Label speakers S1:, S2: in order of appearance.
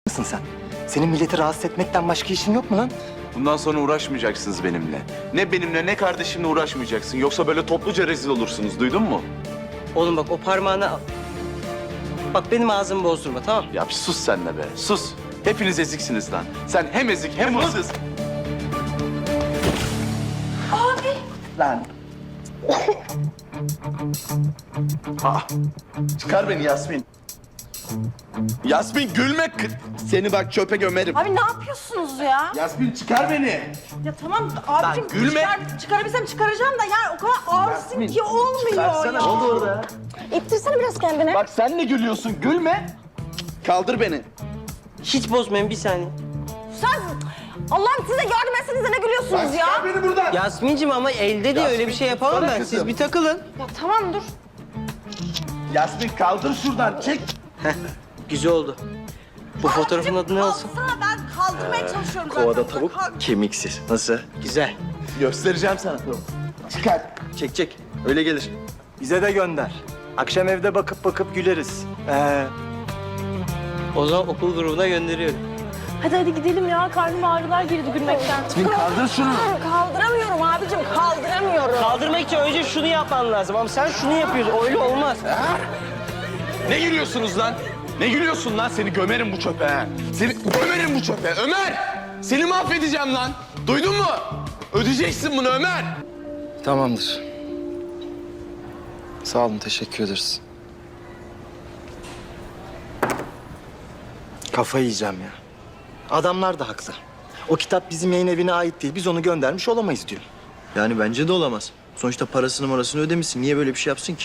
S1: mısın sen? Senin milleti rahatsız etmekten başka işin yok mu lan?
S2: Bundan sonra uğraşmayacaksınız benimle. Ne benimle ne kardeşimle uğraşmayacaksın. Yoksa böyle topluca rezil olursunuz. Duydun mu?
S3: Oğlum bak o parmağını al. Bak benim ağzımı bozdurma, tamam?
S2: Ya bir sus sen de be. Sus. Hepiniz eziksiniz lan. Sen hem ezik hem hırsız. Lan. Aa, çıkar beni Yasmin. Yasmin gülme. Seni bak çöpe gömerim.
S4: Abi ne yapıyorsunuz ya?
S2: Yasmin çıkar beni.
S4: Ya tamam abicim
S2: gülme.
S4: çıkarabilsem çıkaracağım da yani o kadar ağırsın ki olmuyor
S2: Çıkarsana.
S4: ya.
S2: Ne oldu orada?
S4: İttirsene biraz kendine.
S2: Bak sen ne gülüyorsun? Gülme. Kaldır beni.
S3: Hiç bozmayın, bir saniye.
S4: Sen Allah'ım size yardım etsenize ne gülüyorsunuz ya?
S2: Çıkar beni buradan.
S3: Yasmin'cim ama elde de öyle bir şey yapamam
S2: sana
S3: ben.
S2: kızım.
S3: Siz bir takılın.
S4: Ya tamam dur.
S2: Yasmin kaldır şuradan. Çek.
S3: Güzel oldu. Bu fotoğrafın adı ne olsun?
S4: Alsana ben kaldırmaya çalışıyorum zaten.
S1: Kovada tavuk, kemiksiz. Nasıl?
S3: Güzel.
S2: Göstereceğim sana. Çıkar.
S3: Çek. Öyle gelir.
S1: Bize de gönder. Akşam evde bakıp güleriz.
S3: O zaman okul grubuna gönderiyorum.
S4: Hadi gidelim ya. Karnım ağrılar girdi gülmekten.
S2: Kaldır şunu.
S4: Kaldıramıyorum abicim kaldıramıyorum.
S3: Kaldırmak için önce şunu yapman lazım ama sen şunu yapıyorsun. Öyle olmaz.
S2: Ne gülüyorsunuz lan? Ne gülüyorsun lan? Seni gömerim bu çöpe ha. Seni gömerim bu çöpe. Ömer! Seni mahvedeceğim lan. Duydun mu? Ödeyeceksin bunu Ömer.
S5: Tamamdır. Sağ olun, teşekkür ederiz.
S1: Kafayı yiyeceğim ya. Adamlar da haklı. O kitap bizim yayın evine ait değil. Biz onu göndermiş olamayız diyor.
S5: Yani bence de olamaz. Sonuçta parasını ödemişsin. Niye böyle bir şey yapsın ki?